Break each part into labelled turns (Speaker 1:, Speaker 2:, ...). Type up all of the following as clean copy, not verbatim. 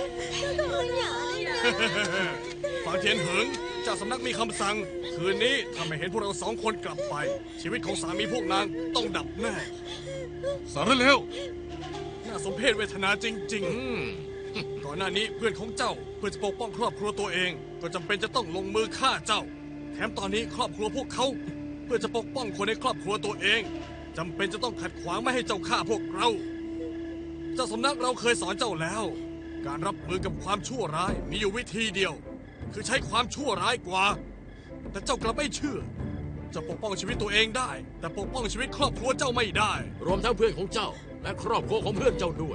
Speaker 1: ฝางเทียนเหิงเจ้าสำนักมีคำสั่งคืนนี้ถ้าไม่เห็นพวกเรา2 คนกลับไปชีวิตของสามีพวกนางต้องดับแน่สารเลวน่าสมเพชเวทนาจริงๆก่อนหน้านี้เพื่อนของเจ้าเพื่อจะปกป้องครอบครัวตัวเองก็จำเป็นจะต้องลงมือฆ่าเจ้าแถมตอนนี้ครอบครัวพวกเขาเพื่อจะปกป้องคนในครอบครัวตัวเองจำเป็นจะต้องขัดขวางไม่ให้เจ้าฆ่าพวกเราเจ้าสำนักเราเคยสอนเจ้าแล้วการรับมือกับความชั่วร้ายมีอยู่วิธีเดียวคือใช้ความชั่วร้ายกว่าแต่เจ้ากลับไม่เชื่อจะปกป้องชีวิตตัวเองได้แต่ปกป้องชีวิตครอบครัวเจ้าไม่ได้
Speaker 2: รวมทั้งเพื่อนของเจ้าและครอบครัวของเพื่อนเจ้าด้วย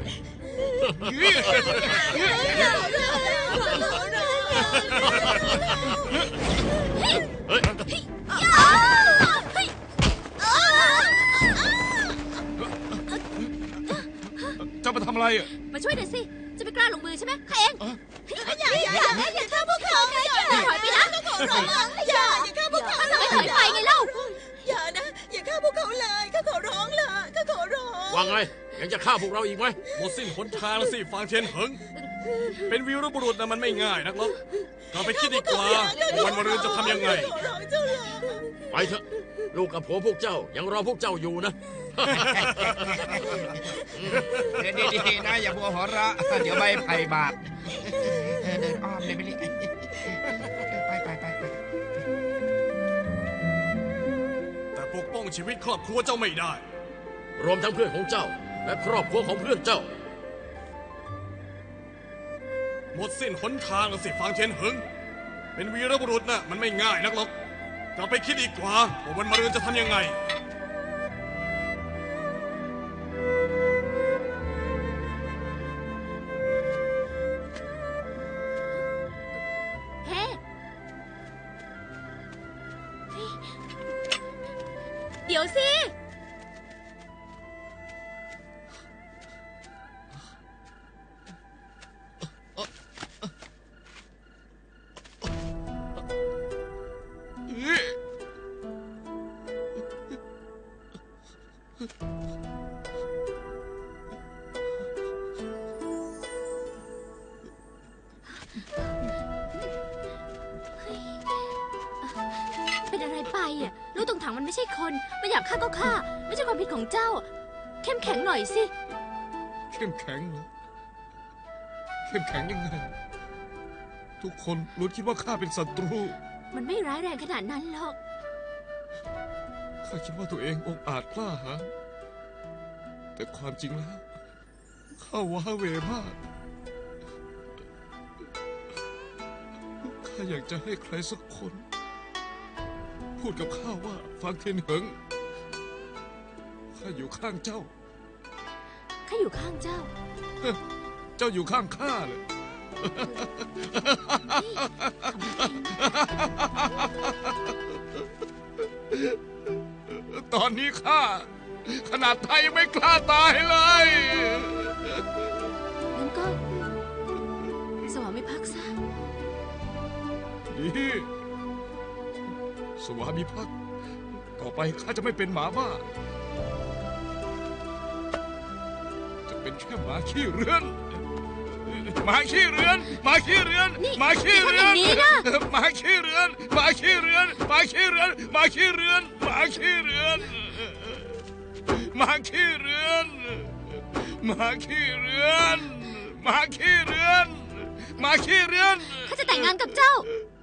Speaker 1: จะมาทำอะไรอ่ะ
Speaker 3: มาช่วยหน่อยสิจะไม่กล้าลงมือใช่ไหมข้าเองอย่าฆ่าพวกเขาถอยไปนะก็ขอร้องอย่าฆ่าพวกเขาไม่ถอยไปไงเล่า
Speaker 4: อย่านะอย่าฆ่าพวกเขาเลยข้าขอร้องล่ะข้าขอร้อง
Speaker 2: ว่าไงยังจะฆ่าพวกเราอีกไหม
Speaker 1: หมดสิ้นหนทางแล้วสิฟางเทียนเหิงเป็นวีรบุรุษนะมันไม่ง่ายนักหรอกเราไปคิดดีกว่าวันมะรืนจะทำยังไง
Speaker 2: ไปเถอะลูกกับผัวพวกเจ้ายังรอพวกเจ้าอยู่นะ
Speaker 5: ดีๆนะอย่าบัวหัวเราะเดี๋ยวใบไผ่บาดเดินอ้อมเลยไม่รีบไป
Speaker 1: แต่ปกป้องชีวิตครอบครัวเจ้าไม่ได้
Speaker 2: รวมทั้งเพื่อนของเจ้าและครอบครัวของเพื่อนเจ้า
Speaker 1: หมดสิ้นหนทางแล้วสิฟางเทียนเหิงเป็นวีรบุรุษนะมันไม่ง่ายนักหรอกกลับไปคิดดีกว่าวันมะรืนจะทำยังไง
Speaker 3: เดี๋ยวสิเป็นอะไรไปอ่ะลูกตรงถังมันไม่ใช่คนไม่อยากฆ่าก็ฆ่าไม่ใช่ความผิดของเจ้าเข้มแข็งหน่อยสิ
Speaker 1: เข้มแข็งเหรอเข้มแข็งยังไงทุกคนล้วนคิดว่าข้าเป็นศัตรู
Speaker 3: มันไม่ร้ายแรงขนาดนั้นหรอก
Speaker 1: ข้าคิดว่าตัวเององอาจกล้าหาญแต่ความจริงแล้วข้าว้าเหวมากข้าอยากจะให้ใครสักคนพูดกับข้าว่าฟางเทียนเหิงข้าอยู่ข้างเจ้า
Speaker 3: ข้าอยู่ข้างเจ้า
Speaker 1: เจ้าอยู่ข้างข้าเลยตอนนี้ข้าขนาดไทยยังไม่กล้าตายเลย
Speaker 3: งั้นก็สวามิภักดิ์ซะ
Speaker 1: ดีสวามิภักดิ์ต่อไปข้าจะไม่เป็นหมาบ้าจะเป็นแค่หมาขี้เรือนหมาขี้เรือนหมาขี้เรือนหมาขี้เรือนหมาขี้เรือนหมาขี้เรือนหมาขี้เรือนหมาขี้เรือนหมาขี้เรือนหมาขี้เรือนหมาขี้เรือนหมาขี้เรือนหมาขี้เรือน
Speaker 3: ข้าจะแต่งงานกับเจ้า